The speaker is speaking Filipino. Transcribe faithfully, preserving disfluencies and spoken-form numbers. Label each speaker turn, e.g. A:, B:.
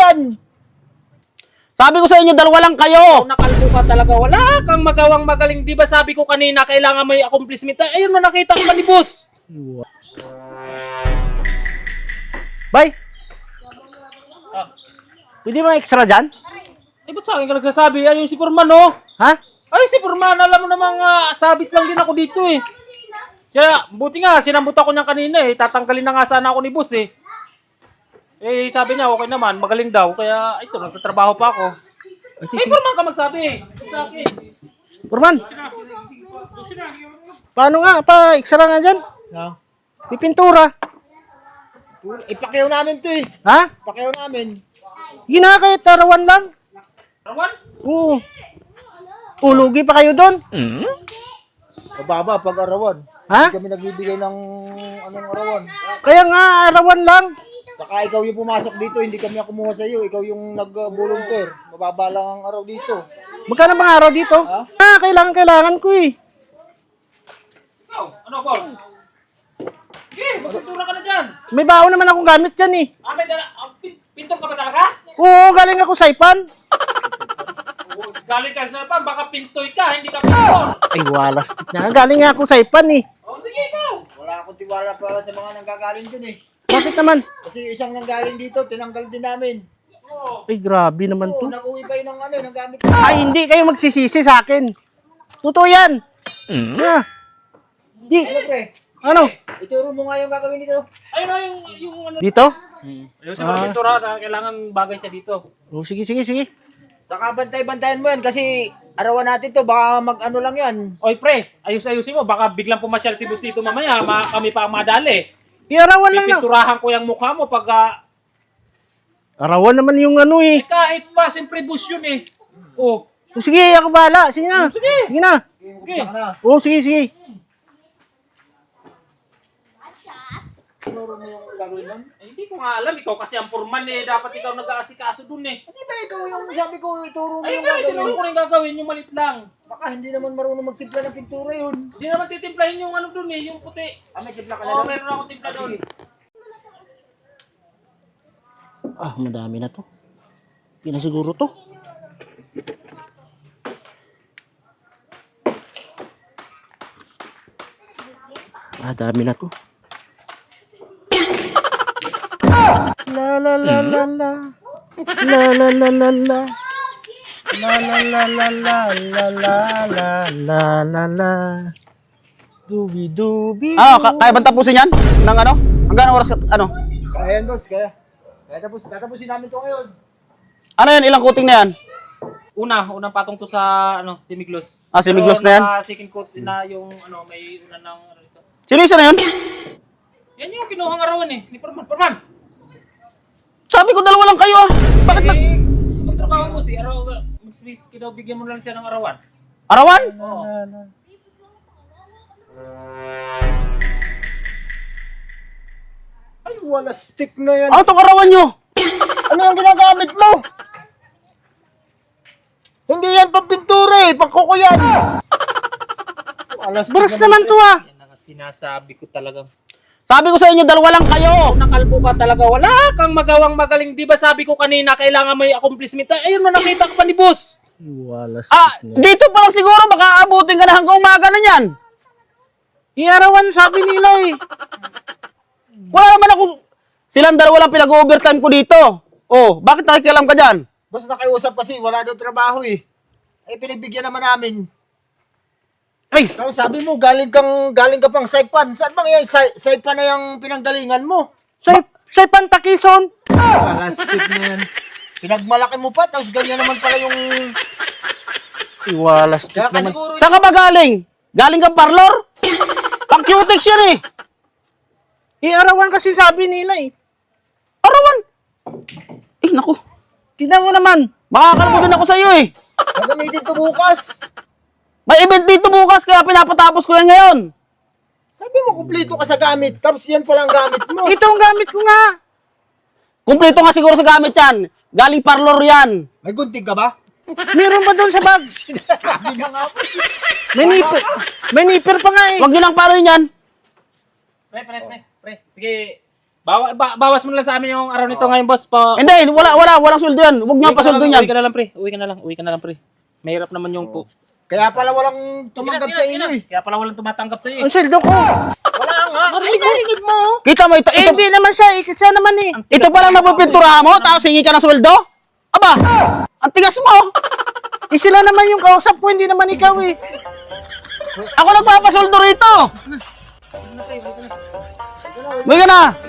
A: yan.
B: Sabi ko sa inyo, dalawa lang kayo.
C: Oh, nakalbo ka talaga. Wala kang magawang magaling. Di ba sabi ko kanina, kailangan may accomplishment. Ayun mo, nakita ko pa ni boss.
B: Bay,
C: Ah.
B: pwede mga extra dyan?
C: Eh, ba't sa akin ka nagsasabi? Ayun si Purman, oh.
B: Ha?
C: Ay, si Purman, alam mo namang uh, sabit lang din ako dito, eh. Kaya, buti nga, sinambut ako niya kanina, eh. Tatanggalin na nga sana ako ni boss, eh. Eh, sabi niya, okay naman, magaling daw. Kaya, ito, nagtatrabaho pa ako. Eh, Purman ka magsabi, eh. Sa akin.
B: Purman, paano nga? Pa-extra nga dyan?
A: No?
B: Pipintura.
A: Ipakyaw namin to eh.
B: Ha?
A: Ipakyaw namin.
B: Gina kayo, tarawan lang.
C: Rawan?
B: Oo. Ulugi pa kayo doon.
A: Mababa pag arawan.
B: Ha?
A: Hindi kami nagbibigay ng anong arawan.
B: Kaya nga, arawan lang.
A: Baka ikaw yung pumasok dito, hindi kami kumuha sa iyo. Ikaw yung nag-volunteer. Mababa lang ang araw dito.
B: Magkano bang araw dito?
A: Ha?
B: Ah, kailangan, kailangan ko eh.
C: Ikaw, ano, Paul? Sige, magpintura ka na dyan.
B: May baon naman akong gamit dyan eh.
C: Ah, may dala, ah, pin- pintor ka ba talaga?
B: Oo, galing ako sa Ipan.
C: Oo, galing ka sa pan, baka pintoy ka, hindi ka pintor.
B: Ay, wala. Galing nga ako sa Ipan eh.
C: Oh, sige, ikaw.
A: Wala akong tiwala pa sa mga nanggagaling dun eh.
B: Bakit naman?
A: Kasi yung isang nanggaling dito, tinanggal din namin.
C: Oo.
B: Ay, grabe naman
A: Oo,
B: to.
A: nag-uwi pa yun ng ano, ng gamit.
B: Ay, hindi kayo magsisisi sa akin. Totoo yan. Ah. Di.
A: Ano pre?
B: Ano?
A: Ituro mo nga yung gagawin dito.
C: Ayun na yung, yung ano.
B: Dito?
C: Ayun sa mga pintura, na kailangan bagay siya dito.
B: Oh, sige, sige, sige.
A: Saka bantay-bantayan mo yan kasi arawan natin to, baka mag-ano lang yan.
C: Oy, pre, ayus-ayusin mo, baka biglang pumasyal si boss dito mamaya, ma kami pa ang madali.
B: Iarawan lang na.
C: Pipinturahan ko yung mukha mo pag, ah,
B: Arawan naman yung ano eh.
C: eh, kahit pa, siyempre boss yun eh. Oh,
B: Oh, sige, ako bahala. Sige na.
C: Sige.
B: Sige na.
A: Isa ka na.
B: Oh, sige, sige.
A: Tinuro mo yung gagawin nun?
C: eh, hindi ko nga alam, ikaw kasi ang purman eh, dapat ikaw nag-aasikaso dun eh.
A: Hindi ba ikaw yung sabi ko, ituro mo
C: Ay,
A: yung
C: nga, tinuro
A: gagawin?
C: ko rin gagawin, yung malit lang.
A: Baka hindi naman marunong magtimpla ng pintura yun.
C: Hindi naman titimplahin yung ano dun eh, yung puti.
A: Ah, may timpla ka na
C: Oo,
A: doon?
C: meron akong timpla doon.
B: Ah, madami na to. Pinasiguro to. Ah, dami na to. La la la la la. La la la la la. La la la la la la la la la la la. Dubi dubi.
D: Ano, ka- kaya bang tapusin yan? Nang ano? Hanggang oras, ano?
A: Kaya yan, boss, kaya. Kaya tapos, tatapusin namin to ngayon.
D: Ano yan? Ilang coating na yan?
C: Una, unang patong to sa ano, si Miglos.
D: Ah, si Miglos na yan?
C: Pero naka second coat na yung ano, may una ng ano ito.
D: Sino isa na yun?
C: Yan yung kinuhang arawan eh, ni Purman. Purman!
D: Sabi ko dalawa lang kayo ah. Bakit nag...
C: Eh, magtrabaho mo si araw, mag-space daw, bigyan mo lang siya ng arawan.
D: Arawan?
C: Oo.
A: Ay, wala stick na yan.
D: Ano tong arawan nyo?
A: Ano yung ginagamit mo? Hindi yan pampintura eh, pangkuko yan. Wala stick
B: Bros naman to ah.
C: Yan ang sinasabi ko talaga.
D: Sabi ko sa inyo, dalawa lang kayo.
C: Nakalbo ka talaga, wala kang magawang magaling. Di ba sabi ko kanina, kailangan may accomplishment. Ayun mo, nakita ko pa ni boss.
B: Wala
D: Ah, dito pa lang siguro, baka abutin ka na hanggang umaga na yan.
B: Iarawan sabi nila eh.
D: Wala naman ako... Silang dalawa lang pinag-overtime ko dito. Oh, bakit nakikialam ka dyan?
A: Boss, nakiusap kasi, wala daw trabaho eh. Eh, pinagbigyan naman namin.
B: Ay,
A: Tapos sabi mo, galing kang, galing ka pang Saipan. Saan bang yan? Sa, Saipan na yung pinanggalingan mo.
B: sa sa Pantakison.
A: Wala stick na yan. Pinagmalaki mo pa, tapos ganyan naman pala yung...
B: Iwalas
A: Kaya ka
B: naman.
A: siguro...
D: Saan ka ba galing? Galing ka parlor? Pang cutex yan eh.
B: Iarawan kasi sabi nila eh.
D: Arawan. Eh, naku.
B: Tingnan mo naman.
D: Makakalimutan ako sa iyo eh.
A: Gagamitin to bukas.
D: May event dito bukas, kaya pinapatapos ko yan ngayon.
A: Sabi mo, kumplito ka sa gamit. Tapos yan pala ang gamit mo.
B: Ito ang gamit ko nga.
D: Kumpleto nga siguro sa gamit yan. Galing parlor yan.
A: May gunting ka ba?
B: Meron pa doon sa bag.
A: Sabi na nga po.
B: May nipper. May nipper pa nga eh.
D: Huwag nyo lang paano yan.
C: Pre, pre, pre, pre. Sige, Bawa, ba, bawas mo na lang sa amin yung araw nito ngayon, boss. Pa,
D: Hindi, wala, wala, walang sweldo yan. Huwag niyo
C: uwi ka na
D: pasuldo
C: lang,
D: yan.
C: Uwi ka na lang, pre. Uwi ka na lang, uwi ka na lang, pre. Mahirap naman yung po.
A: Kaya pala walang tumanggap sa iyo eh.
C: Kaya pala walang tumatanggap sa iyo.
B: Ang sweldo ko.
A: Wala nga.
B: Ay, narinig mo.
D: Kita mo ito,
B: Eh,
D: ito,
B: hindi naman siya. Eh, siya naman eh.
D: ito pa lang napupinturahan mo, tapos hingi ka ng sweldo? Aba, ang tigas mo.
B: Eh, sila naman yung kausap ko, hindi naman ikaw eh.
D: Ako nagpapasoldo rito. Uwi ka na.